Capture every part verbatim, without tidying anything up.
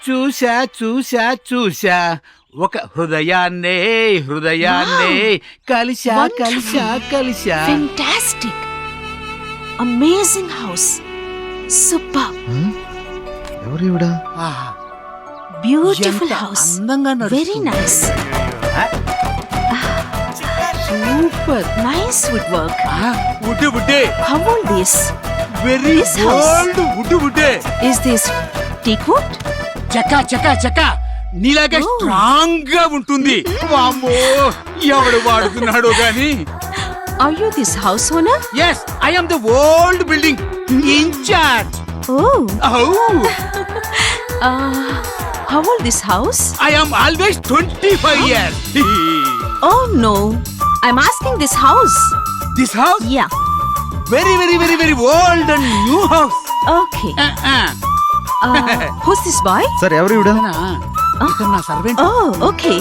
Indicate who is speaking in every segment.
Speaker 1: చూసా చూసా చూసా ఒక హృదయాన్నే హృదయాన్నే కలిసా కలిసా కలిసా.
Speaker 2: ఫెంటాస్టిక్, అమేజింగ్ హౌస్, సూపర్,
Speaker 3: ఎవరు ఇవిడా?
Speaker 2: బ్యూటిఫుల్
Speaker 1: ఎంత
Speaker 2: హౌస్,
Speaker 1: అందంగా
Speaker 2: very nice,
Speaker 1: super.
Speaker 2: Nice wood work.
Speaker 1: Wood wood
Speaker 2: how old this?
Speaker 1: Very
Speaker 2: This house.
Speaker 1: Old wood wood.
Speaker 2: Is this teakwood?
Speaker 1: చక్క చక్క చక్క నీలాగే
Speaker 2: Oh.
Speaker 1: స్ట్రాంగ్ గా ఉంటుంది. వామ్మో ఎవడు వాడుతున్నాడో గాని.
Speaker 2: Are you this house owner?
Speaker 1: Yes I am the old building incharge.
Speaker 2: Oh,
Speaker 1: Oh,
Speaker 2: uh, how old this house?
Speaker 1: I am always twenty-five years.
Speaker 2: Oh no, I'm asking this house.
Speaker 1: This house?
Speaker 2: Yeah,
Speaker 1: Very, very, very, very old and new house.
Speaker 2: okay.
Speaker 1: Uh, uh.
Speaker 2: Uh, who's this boy?
Speaker 3: Sir ఎవరు ఇవిడా?
Speaker 1: ఇతను నా servant.
Speaker 2: Oh, okay.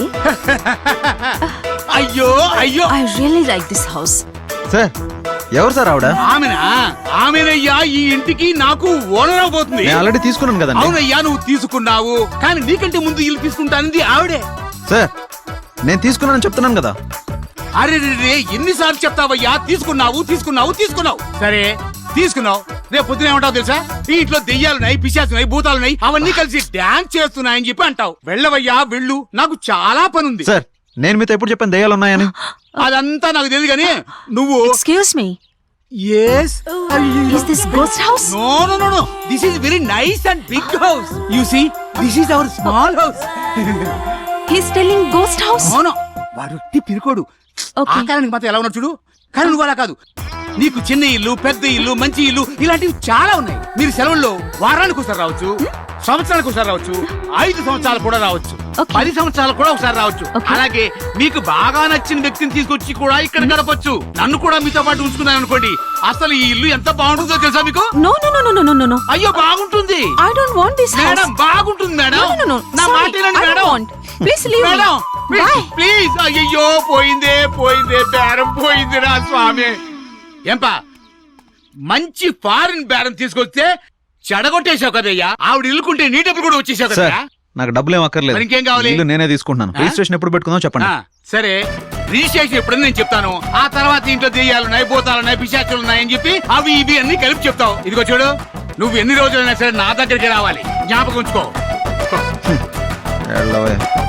Speaker 1: అయ్యో అయ్యో
Speaker 2: I really like this house.
Speaker 3: Sir ఎవరు sir ఆవిడ?
Speaker 1: ఆమెనా ఆమెనయ్యా ఈ ఇంటికి నాకు ఓనర్ అవబోతుంది.
Speaker 3: నేను ఆల్రెడీ తీసుకున్నాను కదండి.
Speaker 1: అవునయ్యా నువ్వు తీసుకున్నావు కానీ నీకంటే ముందు ఇల్లు తీసుకుంటానంది ఆవిడే.
Speaker 3: సార్ నేను తీసుకున్నానని చెప్తున్నాను కదా.
Speaker 1: అరే రే ఎన్నిసార్లు చెప్తావయ్యా తీసుకున్నావు తీసుకున్నావు తీసుకున్నావు. సరే తీసుకున్నావు, రేపు పొద్దున ఏమంటావు తెలుసా? ఈ ఇంట్లో దెయ్యాలున్నాయి, పిశాచున్నాయి, భూతాలున్నాయి, అవన్నీ కలిసి డాన్స్ చేస్తున్నాయని చెప్పి అంటావు. వెళ్ళవయ్యా వెళ్ళు, నాకు చాలా పనుంది.
Speaker 3: సార్ నేను మీతో ఎప్పుడు చెప్పాను దయ్యాలు ఉన్నాయని?
Speaker 1: అదంతా నాకు తెలియదు కానీ నువ్వు
Speaker 2: Excuse me.
Speaker 1: yes
Speaker 2: Is this ghost house?
Speaker 1: no no no no this is very nice and big house. You see this is our small house.
Speaker 2: He's telling ghost house.
Speaker 1: అవును వాడు ఒట్టి పిరుకోడు.
Speaker 2: Okay.
Speaker 1: ఆకారానికి మాత్రం ఎలా ఉన్నాడు చూడు. కానీ నువ్వు అలా కాదు, నీకు చిన్న ఇల్లు, పెద్ద ఇల్లు, మంచి ఇల్లు ఇలాంటివి చాలా ఉన్నాయి. మీరు సెలవుల్లో వారానికి ఒకసారి రావచ్చు, సంవత్సరానికి ఒకసారి రావచ్చు, ఐదు సంవత్సరాలు కూడా రావచ్చు,
Speaker 2: Okay.
Speaker 1: పది సంవత్సరాలు కూడా ఒకసారి రావచ్చు.
Speaker 2: Okay.
Speaker 1: అలాగే మీకు బాగా నచ్చిన వ్యక్తిని తీసుకొచ్చి కూడా ఇక్కడ గడపచ్చు. నన్ను కూడా మీతో పాటు ఉంచుకున్నాను అనుకోండి, అసలు ఈ ఇల్లు ఎంత బాగుంటుందో తెలుసా మీకు?
Speaker 2: No, no, no, no, no, no, no, no.
Speaker 1: అయ్యో బాగుంటుంది
Speaker 2: I don't want this house.
Speaker 1: Madam, బాగుంటుంది madam.
Speaker 2: No, no, no, no.
Speaker 1: నా
Speaker 2: Sorry,
Speaker 1: మాట వినండి
Speaker 2: I don't
Speaker 1: madam.
Speaker 2: want. Please leave me.
Speaker 1: Madam
Speaker 2: Bye.
Speaker 1: Please. అయ్యో పోయిందే పోయిందే బేరం పోయింది రా స్వామి. ఏంపా మంచి ఫారిన్ బేరం తీసుకొస్తే చెడగొట్టేశావు కదయ్యా. ఆవిడ ఇల్లుకుంటే నీ డబ్బులు కూడా వచ్చేసావు
Speaker 3: సార్
Speaker 1: కదా.
Speaker 3: నాకు డబ్బులు ఏం అక్కర్లేదు.
Speaker 1: మరి ఇంకేం కావాలి?
Speaker 3: ఇల్లు నేనే తీసుకుంటున్నాను.
Speaker 1: ఆ?
Speaker 3: రిజిస్ట్రేషన్ ఎప్పుడు పెట్టుకుందాం చెప్పండి.
Speaker 1: ఆ, సరే రిజిస్ట్రేషన్ ఎప్పుడని నేను చెప్తాను. ఆ తర్వాత ఇంట్లో దెయ్యాలున్నాయి, భూతాలున్నాయి, పిశాచులు ఉన్నాయని చెప్పి అవి ఇవి అన్ని కలిపి చెప్తావు. ఇదిగో చూడు, నువ్వు ఎన్ని రోజులైనా సరే నా దగ్గరికి రావాలి, జ్ఞాపకం ఉంచుకో.
Speaker 3: వెళ్ళవే.